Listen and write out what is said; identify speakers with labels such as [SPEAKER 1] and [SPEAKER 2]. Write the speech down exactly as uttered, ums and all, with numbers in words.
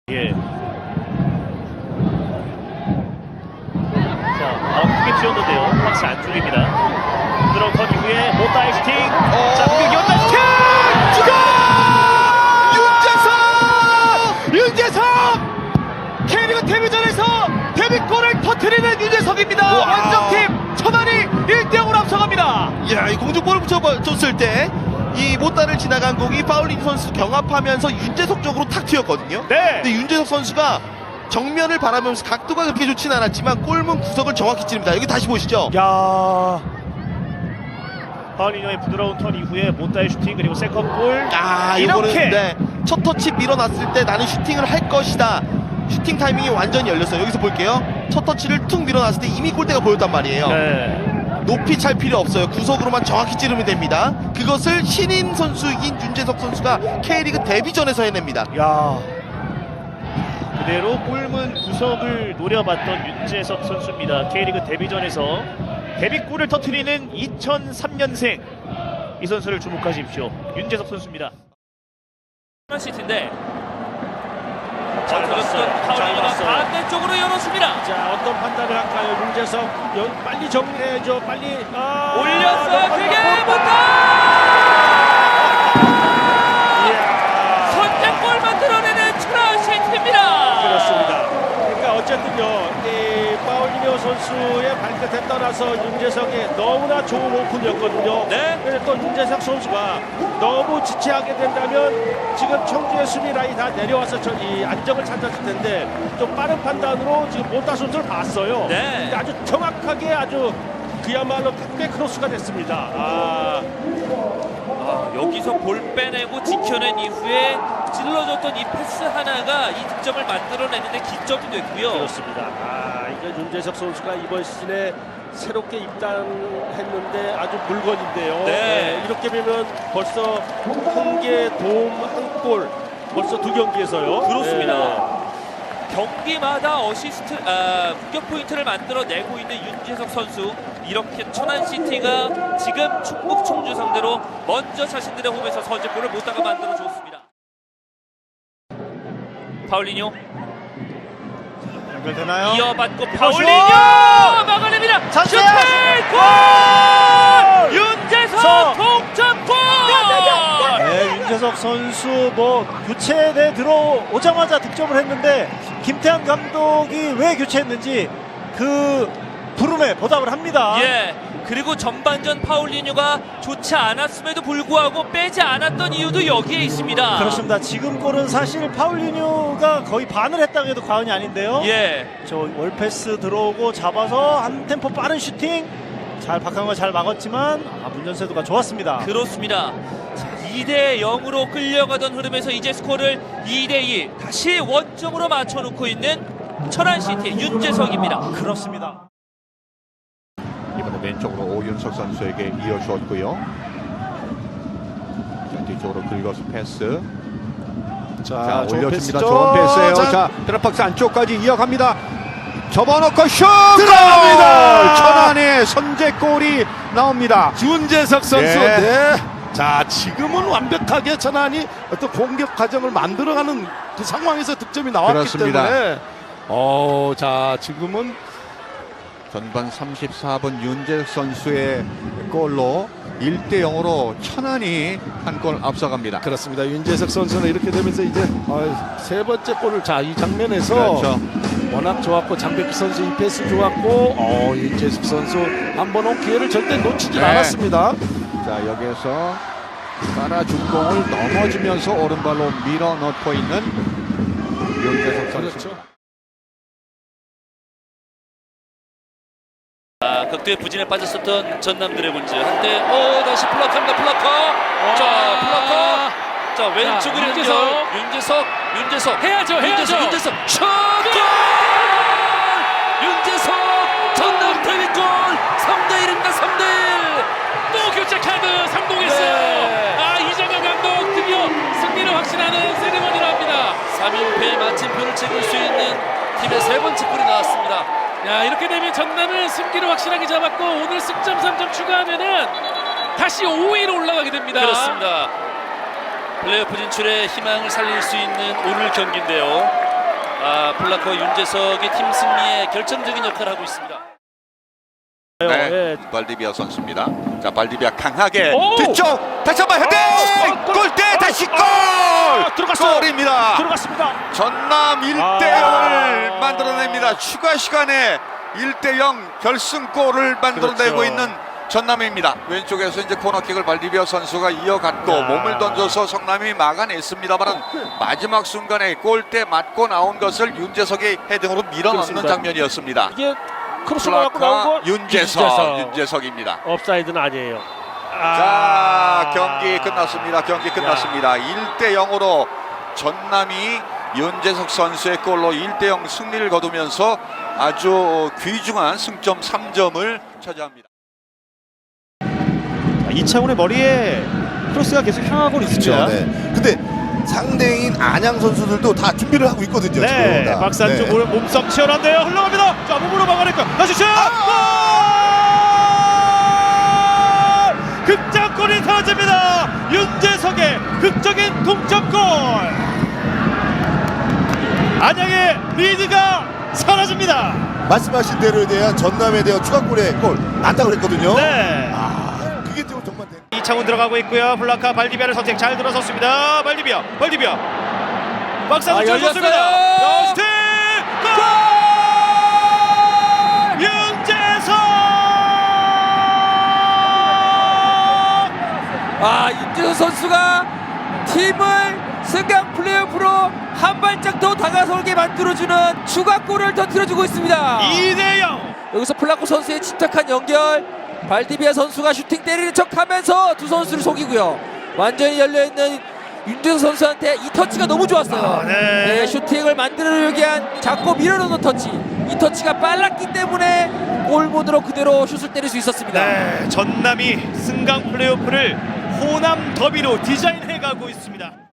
[SPEAKER 1] 예. 자, 아, 크게 튀었는데요. 박스 안쪽입니다. 들어간 이후에 못다이 슈팅.
[SPEAKER 2] 어...
[SPEAKER 1] 자, 공격 연다 슈팅!
[SPEAKER 2] 윤재석! 윤재석! K리그 데뷔전에서 데뷔골을 터뜨리는 윤재석입니다. 원정팀 천안이 일 대 영으로 앞서갑니다. 이야, 이 공중볼을 붙여줬을 때 이 못다를 지나간 공이 파울린 선수 경합하면서 윤재석 쪽으로 탁 튀었거든요.
[SPEAKER 1] 네.
[SPEAKER 2] 근데 윤재석 선수가 정면을 바라보면서 각도가 그렇게 좋진 않았지만 골문 구석을 정확히 찌릅니다. 여기 다시 보시죠.
[SPEAKER 1] 야. 파울리뇨의 부드러운 턴 이후에 못다이 슈팅 그리고 세컨볼.
[SPEAKER 2] 아,
[SPEAKER 1] 이렇게.
[SPEAKER 2] 이거는 네, 첫 터치 밀어놨을 때 나는 슈팅을 할 것이다. 슈팅 타이밍이 완전히 열렸어요. 여기서 볼게요. 첫 터치를 툭 밀어놨을 때 이미 골대가 보였단 말이에요.
[SPEAKER 1] 네.
[SPEAKER 2] 높이 찰 필요 없어요. 구석으로만 정확히 찌르면 됩니다. 그것을 신인 선수인 윤재석 선수가 K리그 데뷔전에서 해냅니다.
[SPEAKER 1] 야. 그대로 골문 구석을 노려봤던 윤재석 선수입니다. K리그 데뷔전에서 데뷔골을 터뜨리는 이천삼 년생 이 선수를 주목하십시오. 윤재석 선수입니다.
[SPEAKER 3] 시티인데
[SPEAKER 1] 잘 봤어요. 잘
[SPEAKER 3] 파울리가
[SPEAKER 1] 봤어요.
[SPEAKER 3] 반대쪽으로 열어줍니다.
[SPEAKER 4] 자, 어떤 판단을 할까요? 윤재석 연, 빨리 정리해줘. 빨리 아,
[SPEAKER 3] 올렸어요. 그게 못다. 선제골 만들어내는 천안 시티입니다.
[SPEAKER 4] 그렇습니다. 그러니까 어쨌든요, 이 파울리뇨 선수의 발끝에 떠나서 윤재석이 너무나 좋은 오픈이었거든요.
[SPEAKER 3] 네.
[SPEAKER 4] 그래서 또 윤재석 선수가 너무 지체하게 된다면 지금 청주의 수비 라인 다 내려와서 저 이 안정을 찾았을 텐데 좀 빠른 판단으로 지금 못다 선수를 봤어요.
[SPEAKER 3] 네.
[SPEAKER 4] 근데 아주 정확하게 아주 그야말로 탁배 크로스가 됐습니다. 아.
[SPEAKER 3] 아, 여기서 볼 빼내고 지켜낸 이후에 찔러줬던 이 패스 하나가 이 득점을 만들어내는데 기점이 됐고요.
[SPEAKER 4] 그렇습니다. 아, 이제 윤재석 선수가 이번 시즌에 새롭게 입단했는데 아주 물건인데요.
[SPEAKER 3] 네.
[SPEAKER 4] 네, 이렇게 되면 벌써 한 개 도움 한 골 벌써 두 경기에서요.
[SPEAKER 3] 그렇습니다.
[SPEAKER 4] 네.
[SPEAKER 3] 경기마다 어시스트, 아, 공격 포인트를 만들어내고 있는 윤재석 선수. 이렇게 천안시티가 지금 충북 청주 상대로 먼저 자신들의 홈에서 선제골을 못다가 만들어줬습니다. 파울리뇨
[SPEAKER 2] 연결되나요?
[SPEAKER 3] 이어받고 파울리뇨 막아냅니다. 슈팅! 골! 윤재석 동점골!
[SPEAKER 5] 네, 윤재석 선수 뭐 교체돼 들어오자마자 득점을 했는데 김태환 감독이 왜 교체했는지 그 부름에 보답을 합니다.
[SPEAKER 3] 예. 그리고 전반전 파울리뉴가 좋지 않았음에도 불구하고 빼지 않았던 이유도 여기에 있습니다.
[SPEAKER 5] 그렇습니다. 지금 골은 사실 파울리뉴가 거의 반을 했다고 해도 과언이 아닌데요.
[SPEAKER 3] 예.
[SPEAKER 5] 저 월패스 들어오고 잡아서 한 템포 빠른 슈팅 잘 박한걸 잘 막았지만 아, 문전세도가 좋았습니다.
[SPEAKER 3] 그렇습니다. 이 대 영으로 끌려가던 흐름에서 이제 스코어를 이 대 이 다시 원점으로 맞춰놓고 있는 천안시티의 윤재석입니다.
[SPEAKER 5] 그렇습니다.
[SPEAKER 6] 이번에 왼쪽으로 오윤석 선수에게 이어주었고요. 자, 뒤쪽으로 긁어서 패스. 자,
[SPEAKER 4] 좋은
[SPEAKER 6] 올려줍니다.
[SPEAKER 4] 패스죠.
[SPEAKER 6] 좋은 패스예요.
[SPEAKER 4] 자,
[SPEAKER 6] 자, 드랍박스 안쪽까지 이어갑니다. 접어놓고 슛!
[SPEAKER 4] 들어갑니다.
[SPEAKER 6] 천안의 선제골이 나옵니다.
[SPEAKER 4] 윤재석 선수.
[SPEAKER 6] 예.
[SPEAKER 4] 네. 자, 지금은 완벽하게 천안이 어떤 공격 과정을 만들어가는 그 상황에서 득점이 나왔기
[SPEAKER 6] 그렇습니다.
[SPEAKER 4] 때문에 어, 자, 지금은
[SPEAKER 6] 전반 삼십사 분 윤재석 선수의 골로 일 대 영으로 천안이 한 골 앞서갑니다.
[SPEAKER 4] 그렇습니다. 윤재석 선수는 이렇게 되면서 이제 어, 세 번째 골을 자, 이 장면에서
[SPEAKER 6] 그렇죠.
[SPEAKER 4] 워낙 좋았고 장백기 선수 이 패스 좋았고 어, 윤재석 선수 한 번 온 기회를 절대 놓치지
[SPEAKER 6] 네.
[SPEAKER 4] 않았습니다.
[SPEAKER 6] 자, 여기에서 깔아준 공을 넘어지면서 오른발로 밀어 넣고 있는 윤재석 선수.
[SPEAKER 4] 그렇죠.
[SPEAKER 3] 아, 극도의 부진에 빠졌었던 전남 드래곤즈 한때 오 다시 플러커입니다. 플러커. 자, 플러커. 자, 왼쪽으로 연결. 윤재석. 윤재석. 윤재석. 해야죠. 해야죠. 윤재석. 슛! 골! 윤재석 전남 데뷔골 삼 대 일입니다. 삼 대 일. 또 교체 카드 성공했어요.
[SPEAKER 4] 네.
[SPEAKER 3] 아, 이정현 감독 드디어 승리를 확신하는 세레머니를 합니다. 삼 연패의 마침표를 찍을 수 있는 팀의 세 번째 골이 나왔습니다. 야, 이렇게 되면 전남은 승기를 확실하게 잡았고 오늘 승점 삼 점 추가하면은 다시 오 위로 올라가게 됩니다. 그렇습니다. 플레이오프 진출의 희망을 살릴 수 있는 오늘 경기인데요. 아, 플라코 윤재석이 팀 승리에 결정적인 역할을 하고 있습니다.
[SPEAKER 6] 네,
[SPEAKER 4] 예.
[SPEAKER 6] 발디비아 선수입니다. 자, 발디비아 강하게
[SPEAKER 4] 오!
[SPEAKER 6] 뒤쪽 다시 한번 헤딩!
[SPEAKER 4] 오! 골!
[SPEAKER 6] 골대 다시 골!
[SPEAKER 4] 아, 들어갔어요.
[SPEAKER 6] 골입니다.
[SPEAKER 4] 들어갔습니다.
[SPEAKER 6] 전남 일 대 영을
[SPEAKER 4] 아.
[SPEAKER 6] 만들어냅니다. 추가 시간에 일 대 영 결승골을 만들어내고
[SPEAKER 4] 그렇죠.
[SPEAKER 6] 있는 전남입니다. 왼쪽에서 이제 코너킥을 발디비아 선수가 이어갔고
[SPEAKER 4] 야.
[SPEAKER 6] 몸을 던져서 성남이 막아냈습니다만 마지막 순간에 골대 맞고 나온 것을 윤재석의 헤딩으로 밀어넣는
[SPEAKER 4] 그렇습니다.
[SPEAKER 6] 장면이었습니다.
[SPEAKER 4] 이게 크로스가 갖고 나온
[SPEAKER 6] 플라카
[SPEAKER 4] 거
[SPEAKER 6] 윤재석,
[SPEAKER 4] 윤재석.
[SPEAKER 6] 윤재석입니다.
[SPEAKER 4] 업사이드는 아니에요.
[SPEAKER 6] 자, 경기 끝났습니다. 경기 끝났습니다. 일 대 영으로 전남이 윤재석 선수의 골로 일 대 영 승리를 거두면서 아주 귀중한 승점 삼 점을 차지합니다.
[SPEAKER 2] 이창훈의 머리에 크로스가 계속 향하고 있습니다.
[SPEAKER 7] 그렇죠. 네. 근데 상대인 안양 선수들도 다 준비를 하고 있거든요.
[SPEAKER 2] 네,
[SPEAKER 7] 지금 다.
[SPEAKER 2] 박스 안쪽
[SPEAKER 7] 네.
[SPEAKER 2] 네. 몸싸움 치열한데요. 흘러갑니다. 자, 몸으로 막아낼까? 다시 슛! 골! 극장골이 사라집니다. 윤재석의 극적인 동점골. 안양의 리드가 사라집니다.
[SPEAKER 7] 말씀하신 대로에 대한 전남에 대한 추가골에 골 난다고 그랬거든요.
[SPEAKER 2] 네.
[SPEAKER 7] 아, 그게 좀 정말 대...
[SPEAKER 2] 이창훈 들어가고 있고요. 블라카 발디비아를 선택 잘 들어섰습니다. 발디비아, 발디비아. 박스 안쪽
[SPEAKER 3] 아,
[SPEAKER 2] 쳤습니다.
[SPEAKER 3] 열렸어요.
[SPEAKER 2] 슈팅! 골! 윤재석!
[SPEAKER 8] 아, 윤재석 선수가 팀을 승강 플레이오프로 한 발짝 더 다가서게 만들어주는 추가골을 터뜨려주고 있습니다.
[SPEAKER 2] 이 대 영.
[SPEAKER 8] 여기서 플라코 선수의 침착한 연결, 발디비아 선수가 슈팅 때리는 척하면서 두 선수를 속이고요. 완전히 열려있는 윤재석 선수한테 이 터치가 너무 좋았어요.
[SPEAKER 2] 아, 네.
[SPEAKER 8] 네, 슈팅을 만들어내기 위한 잡고 밀어넣는 터치. 이 터치가 빨랐기 때문에 골문으로 그대로 슛을 때릴 수 있었습니다.
[SPEAKER 2] 네, 전남이 승강 플레이오프를 호남 더비로 디자인해 가고 있습니다.